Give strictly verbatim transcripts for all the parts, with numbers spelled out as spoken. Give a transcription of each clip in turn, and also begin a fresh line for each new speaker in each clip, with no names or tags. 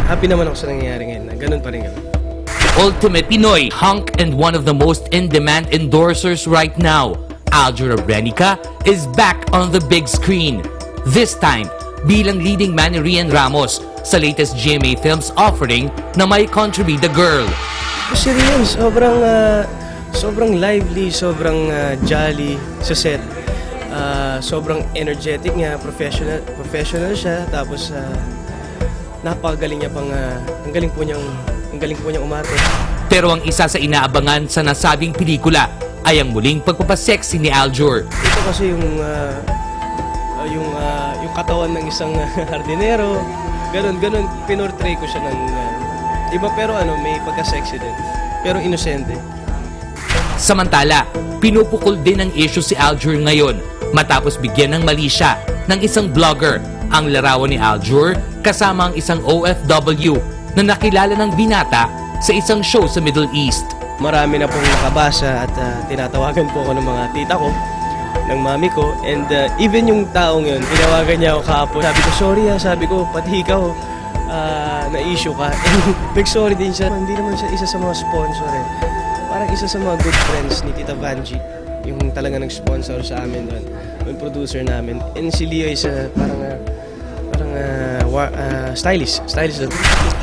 happy naman ako sa nangyayari ngayon na ganun pa rin kami.
Ultimate Pinoy hunk and one of the most in-demand endorsers right now, Aljur Abrenica, is back on the big screen. This time, bilang leading man ni Rian Ramos sa latest G M A Films offering na may Contribute the Girl.
Si Rian, sobrang, uh, sobrang lively, sobrang uh, jolly sa set. Uh, sobrang energetic niya, professional, professional siya. Tapos, uh, napakagaling niya pang, uh, ang galing po niyang, ang galing po niyang umarte.
Pero ang isa sa inaabangan sa nasabing pelikula ay ang muling pagpapasexy ni Aljur.
Ito kasi yung, uh, uh, yung, uh, yung katawan ng isang uh, hardinero. Ganon, ganon, pinortray ko siya ng, uh, iba pero ano, may pagka-sexy din. Pero inosente.
Samantala, pinupukol din ang issue si Aljur ngayon matapos bigyan ng mali siya ng isang vlogger ang larawan ni Aljur kasama ang isang O F W na nakilala ng binata sa isang show sa Middle East.
Marami na pong nakabasa at uh, tinatawagan po ako ng mga tita ko, ng mami ko, and uh, even yung taong yun, tinawagan niya ako kahapon. Sabi ko, sorry ha, sabi ko, pati ikaw, uh, na-issue ka. Nag-sorry din siya. Hindi naman siya isa sa mga sponsor eh. Parang isa sa mga good friends ni Tita Vanji, yung talaga nag-sponsor sa amin doon, yung producer namin. And si Leo is uh, parang, uh, parang uh, wa- uh, stylist, stylist doon.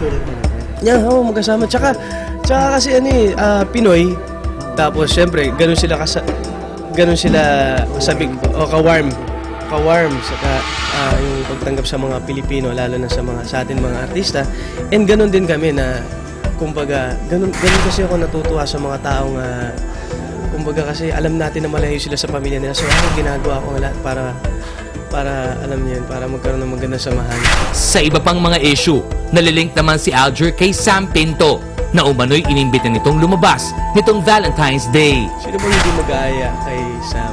Yeah, oo, magkasama. Tsaka, tsaka kasi ano eh, uh, Pinoy, tapos syempre, ganun sila kasa... ganun sila kasabik o ka-warm ka-warm saka uh, yung pagtanggap sa mga Pilipino lalo na sa mga sa atin mga artista, and ganun din kami na kumbaga ganun, ganun kasi ako natutuwa sa mga taong uh, kumbaga kasi alam natin na malayo sila sa pamilya nila, so ako ginagawa ko lahat para para alam niyo yun, para magkaroon ng magandang samahan.
Sa iba pang mga issue, nalilink naman si Aljur kay Sam Pinto na umano'y inimbita nitong lumabas nitong Valentine's Day.
Sino bang hindi mag-aaya kay Sam?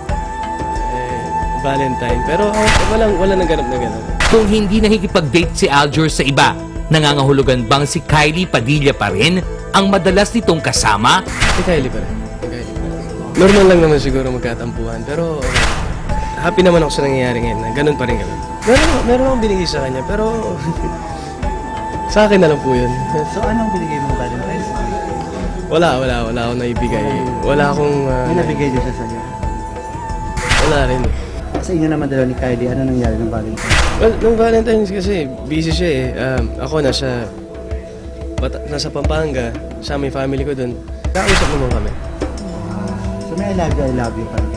Eh, Valentine. Pero oh, walang, wala nang ganap na ganap.
Kung hindi nakikipag-date si Aljur sa iba, nangangahulugan bang si Kylie Padilla pa rin ang madalas nitong kasama?
Si Kylie pa rin. Si Kylie pa rin. Normal lang naman siguro magkatampuhan. Pero okay. Happy naman ako sa nangyayari ngayon na ganun pa rin kami. Meron, meron akong binigay sa kanya, pero sa akin na lang po yun.
So, anong binigay mong Valentine's Day?
Wala, wala, wala akong naibigay. Wala akong... Uh,
May nabigay din siya sa'yo?
Wala rin.
Sa inyo naman dalawa ni Kylie, ano nangyari ng Valentine's?
Well, nung Valentine's kasi, busy siya eh. Um, ako nasa... Bata, nasa Pampanga, sa aming family ko dun. Kausap naman kami.
So, may I love you, I love you pa rin